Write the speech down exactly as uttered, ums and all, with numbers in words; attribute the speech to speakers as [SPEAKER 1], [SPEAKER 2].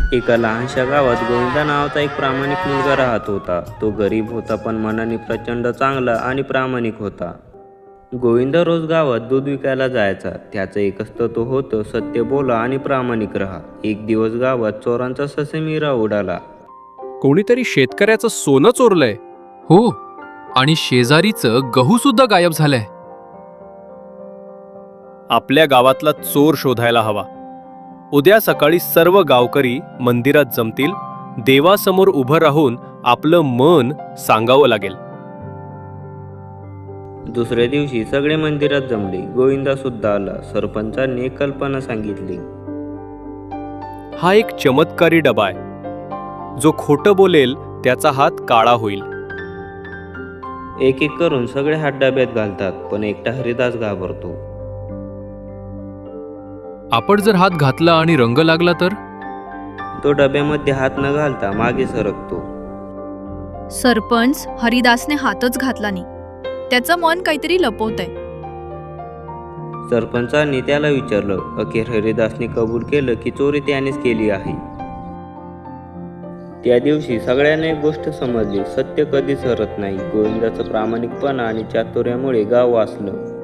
[SPEAKER 1] एका लहानशा गावात गोविंदा नावाचा एक प्रामाणिक मुलगा राहत होता. तो गरीब होता पण मनाने प्रचंड चांगला आणि प्रामाणिक होता. गोविंदा रोज गावात दूध विकायला जायचा. त्याचं एकच तत्व होतं, सत्य बोला आणि प्रामाणिक राहा. एक दिवस गावात चोरांचा ससेमिरा उडाला.
[SPEAKER 2] कोणीतरी शेतकऱ्याचं सोनं चोरलंय.
[SPEAKER 3] हो, आणि शेजारीचं गहू सुद्धा गायब झालंय.
[SPEAKER 2] आपल्या गावातला चोर शोधायला हवा. उद्या सकाळी सर्व गावकरी मंदिरात जमतील. देवासमोर उभं राहून आपलं मन सांगावं लागेल.
[SPEAKER 1] दुसऱ्या दिवशी सगळे मंदिरात जमले. गोविंदा सुद्धा आला. सरपंचांनी एक कल्पना सांगितली.
[SPEAKER 2] हा एक चमत्कारी डबा आहे. जो खोटं बोलेल त्याचा हात काळा होईल.
[SPEAKER 1] एक एक करून सगळे हात डब्यात घालतात, पण एकटा हरिदास घाबरतो.
[SPEAKER 3] आपण जर हात घातला आणि रंग लागला तर?
[SPEAKER 1] तो डब्यामध्ये हात न घालता मागे सरकतो.
[SPEAKER 4] सरपंच हरिदासने हातच घातला नाही. त्याचं मन काहीतरी लपवतंय.
[SPEAKER 1] सरपंचांनी त्याला विचारलं. अखेर हरिदासने कबूल केलं की चोरी त्यानेच केली आहे. त्या दिवशी सगळ्यांना एक गोष्ट समजली, सत्य कधीच हरत नाही. गोविंदाचं प्रामाणिकपणा आणि चातुर्यामुळे गाव वाचलं.